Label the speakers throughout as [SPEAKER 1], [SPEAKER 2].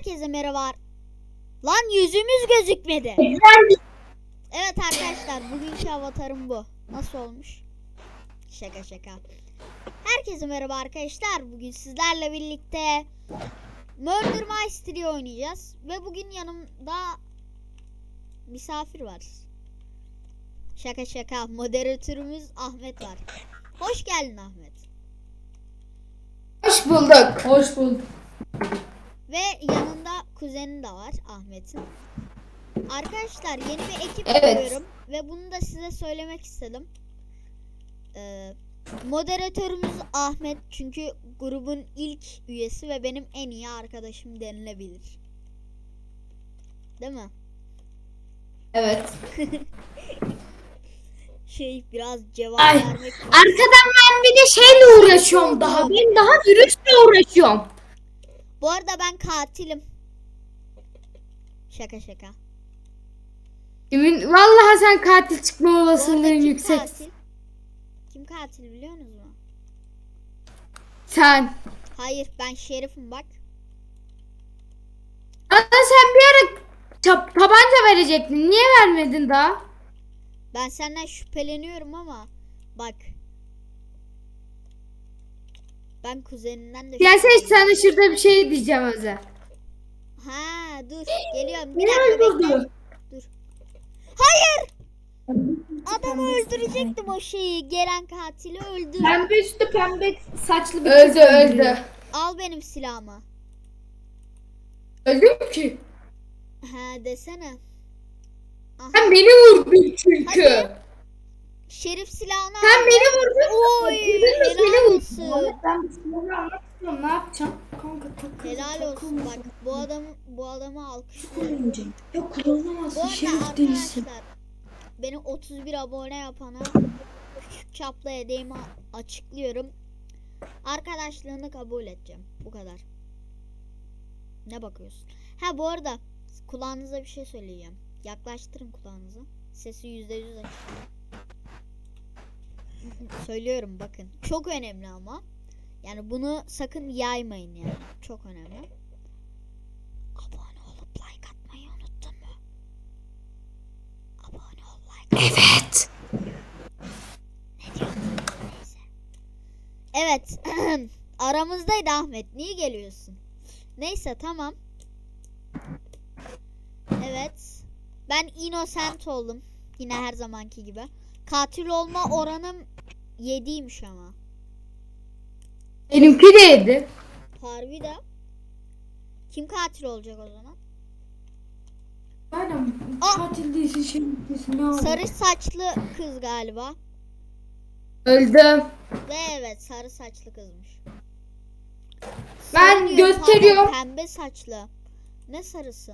[SPEAKER 1] Herkese merhaba. Lan yüzümüz gözükmedi. Evet arkadaşlar, bugünkü avatarım bu. Nasıl olmuş? Şaka şaka. Herkese merhaba arkadaşlar. Bugün sizlerle birlikte Murder Mystery oynayacağız. Ve bugün yanımda misafir var. Şaka şaka. Moderatörümüz Ahmet var. Hoş geldin Ahmet.
[SPEAKER 2] Hoş bulduk. Hoş bulduk.
[SPEAKER 1] Ve yanında kuzeni de var Ahmet'in. Arkadaşlar yeni bir ekip
[SPEAKER 2] Evet.
[SPEAKER 1] kuruyorum ve bunu da size söylemek istedim. Moderatörümüz Ahmet çünkü grubun ilk üyesi ve benim en iyi arkadaşım denilebilir. Değil mi?
[SPEAKER 2] Evet.
[SPEAKER 1] Biraz cevap
[SPEAKER 2] Ay,
[SPEAKER 1] vermek.
[SPEAKER 2] arkadan ben bir de şeyle uğraşıyorum daha. Ben daha virüsle uğraşıyorum.
[SPEAKER 1] Bu arada ben katilim. Şaka şaka.
[SPEAKER 2] Vallahi sen katil çıkma
[SPEAKER 1] Bu arada
[SPEAKER 2] olasılığın
[SPEAKER 1] kim
[SPEAKER 2] yüksek.
[SPEAKER 1] katil? Kim katil biliyor musunuz mu?
[SPEAKER 2] Sen.
[SPEAKER 1] Hayır, ben şerifim bak.
[SPEAKER 2] Bana sen bir ara tabanca verecektin. Niye vermedin daha?
[SPEAKER 1] Ben senden şüpheleniyorum ama bak. Ben kuzeninden de
[SPEAKER 2] Gelsene
[SPEAKER 1] şüpheleniyorum.
[SPEAKER 2] sana şurada bir şey diyeceğim Özel.
[SPEAKER 1] Ha dur geliyorum. Bir
[SPEAKER 2] Ne
[SPEAKER 1] dakika bekle.
[SPEAKER 2] öldürdü?
[SPEAKER 1] Dur. Hayır. Adamı öldürecektim o şeyi. Gelen katili öldü.
[SPEAKER 3] Pembe üstü pembe saçlı bir
[SPEAKER 2] Öldü
[SPEAKER 3] kız öldürüyor.
[SPEAKER 2] öldü.
[SPEAKER 1] Al benim silahımı.
[SPEAKER 2] Öldüm ki.
[SPEAKER 1] Ha desene. Aha.
[SPEAKER 2] Sen beni vurdun çünkü.
[SPEAKER 1] Hadi. Şerif silahını
[SPEAKER 2] Sen
[SPEAKER 1] al.
[SPEAKER 2] beni vurdun.
[SPEAKER 1] Oy
[SPEAKER 2] Beni
[SPEAKER 1] helal
[SPEAKER 2] vurdun.
[SPEAKER 1] olsun.
[SPEAKER 3] Ben bir silahı almak istiyorum. Ne yapacağım? Kanka takıl.
[SPEAKER 1] Helal olsun bak. Bu adamı alkışlıyorum.
[SPEAKER 3] Ya
[SPEAKER 1] Bu
[SPEAKER 3] kullanamazsın.
[SPEAKER 1] arada
[SPEAKER 3] Şerif değilsin.
[SPEAKER 1] arkadaşlar beni 31 abone yapana küçük çaplı hediyemi açıklıyorum. Arkadaşlığını kabul edeceğim. Bu kadar. Ne bakıyorsun? Ha bu arada kulağınıza bir şey söyleyeceğim. Yaklaştırın kulağınızı. Sesi %100 açın. Söylüyorum bakın. Çok önemli ama. Yani bunu sakın yaymayın yani. Çok önemli. Abone olup like atmayı unuttun mu? Abone ol, like at.
[SPEAKER 2] Evet.
[SPEAKER 1] Ne diyorsun? Neyse. Evet. Aramızdaydı Ahmet. Niye geliyorsun? Neyse tamam. Evet. Ben innocent oldum. Yine her zamanki gibi. Katil olma oranım 7'ymiş ama.
[SPEAKER 2] Benimki de yedi.
[SPEAKER 1] Harbi de. Kim katil olacak o zaman?
[SPEAKER 3] Aynen.
[SPEAKER 1] Aa!
[SPEAKER 3] Katil değilsin, şerif değilsin. Ne oldu?
[SPEAKER 1] Sarı saçlı kız galiba.
[SPEAKER 2] Öldüm.
[SPEAKER 1] Ve evet sarı saçlı kızmış.
[SPEAKER 2] Ben
[SPEAKER 1] Sarı diyorum,
[SPEAKER 2] gösteriyorum.
[SPEAKER 1] pardon, pembe saçlı. Ne sarısı?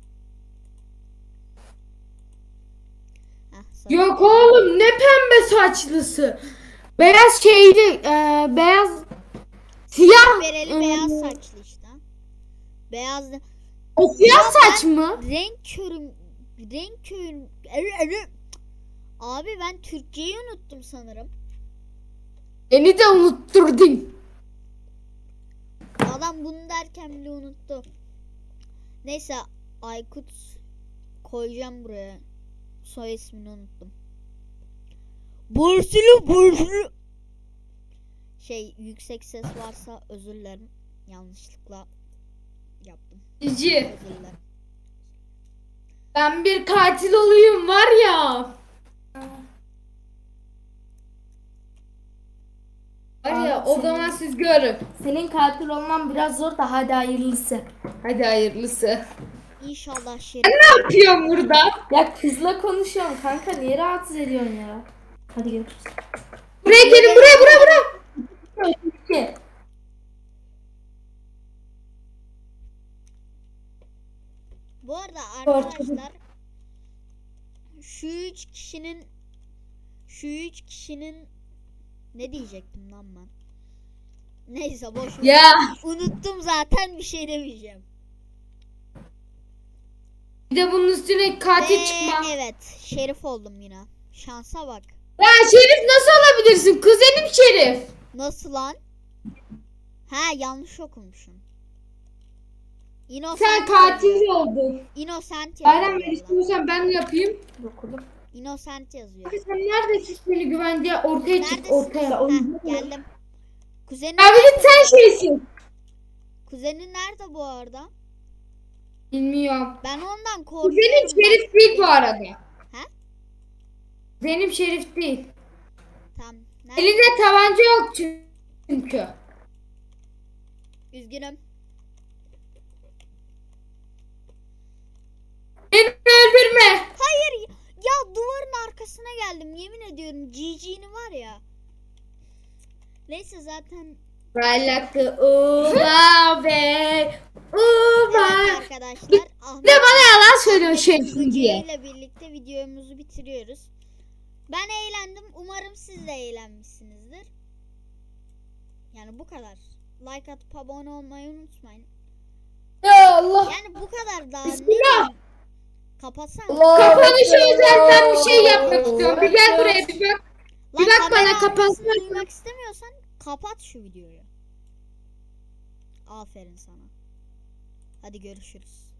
[SPEAKER 1] Heh, sarı.
[SPEAKER 2] Yok oğlum ne pembe saçlısı. Beyaz şeyli beyaz siyah.
[SPEAKER 1] Bereli beyaz saçlı işte. Beyaz
[SPEAKER 2] O siyah
[SPEAKER 1] Ya ben
[SPEAKER 2] saç mı?
[SPEAKER 1] renk körüm. Abi ben Türkçeyi unuttum sanırım.
[SPEAKER 2] Beni de unutturdun.
[SPEAKER 1] Adam bunu derken bile unuttu. Neyse Aykut koyacağım buraya. Soy ismini unuttum. Bursulu. Yüksek ses varsa özür dilerim. Yanlışlıkla yaptım.
[SPEAKER 2] Cici.
[SPEAKER 1] Özür dilerim.
[SPEAKER 2] Ben bir katil olayım var ya. Var ya o zaman siz görün.
[SPEAKER 3] Senin katil olman biraz zor da hadi hayırlısı.
[SPEAKER 2] Hadi hayırlısı.
[SPEAKER 1] İnşallah şerif.
[SPEAKER 2] Ne yapıyorsun burada?
[SPEAKER 3] Ya kızla konuşuyorum kanka, niye rahatsız ediyorsun ya? Hadi görüşürüz.
[SPEAKER 2] Buraya gelin buraya.
[SPEAKER 3] Ki.
[SPEAKER 1] Bu arada arkadaşlar şu üç kişinin ne diyecektim lan ben? Neyse boş ver.
[SPEAKER 2] Ya.
[SPEAKER 1] Unuttum zaten bir şey demeyeceğim.
[SPEAKER 2] Bir de bunun üstüne katil çıkma.
[SPEAKER 1] Evet, şerif oldum yine. Şansa bak.
[SPEAKER 2] Ya Şerif nasıl olabilirsin? Kuzenim Şerif.
[SPEAKER 1] Nasıl lan? Ha yanlış okumuşum. Innocent
[SPEAKER 2] Sen katil oldun.
[SPEAKER 1] Innocent
[SPEAKER 2] Bayram
[SPEAKER 1] yazıyor.
[SPEAKER 2] ben
[SPEAKER 1] valla.
[SPEAKER 2] istiyorsan ben de yapayım.
[SPEAKER 3] Dokudum.
[SPEAKER 1] Innocent yazıyor.
[SPEAKER 2] Sen neredesin seni güvenceye ortaya çık
[SPEAKER 1] Neredesin?
[SPEAKER 2] ortaya.
[SPEAKER 1] Heh, geldim. Kuzenin
[SPEAKER 2] Ya bir de
[SPEAKER 1] nerede?
[SPEAKER 2] sen şeysin.
[SPEAKER 1] Kuzenin nerede bu arada?
[SPEAKER 2] Bilmiyorum.
[SPEAKER 1] Ben ondan
[SPEAKER 2] Benim
[SPEAKER 1] korkuyorum.
[SPEAKER 2] Şerif değil bu arada.
[SPEAKER 1] He?
[SPEAKER 2] Benim Şerif değil.
[SPEAKER 1] Tamam. Nerede?
[SPEAKER 2] Elinde tabanca yok çünkü.
[SPEAKER 1] Üzgünüm.
[SPEAKER 2] Beni öldürme.
[SPEAKER 1] Hayır. Ya duvarın arkasına geldim. Yemin ediyorum. GG'ni var ya. Neyse zaten.
[SPEAKER 2] Balakı uva be. Uva.
[SPEAKER 1] Evet arkadaşlar.
[SPEAKER 2] Bir de bana yalan söylüyor Şerif'in diye.
[SPEAKER 1] ile birlikte videomuzu bitiriyoruz. Ben eğlendim. Umarım siz de eğlenmişsinizdir. Yani bu kadar. Like atıp abone olmayı unutmayın.
[SPEAKER 2] Ya Allah.
[SPEAKER 1] Yani bu kadar daha ne
[SPEAKER 2] Bismillah.
[SPEAKER 1] diyeyim? Kapatsan.
[SPEAKER 2] Kapanışı özel ben bir şey yapmak istiyorum. Bir gel buraya bir bak.
[SPEAKER 1] Lan
[SPEAKER 2] bak
[SPEAKER 1] kamera
[SPEAKER 2] bana,
[SPEAKER 1] arkasını
[SPEAKER 2] kapatsana.
[SPEAKER 1] duymak istemiyorsan kapat şu videoyu. Aferin sana. Hadi görüşürüz.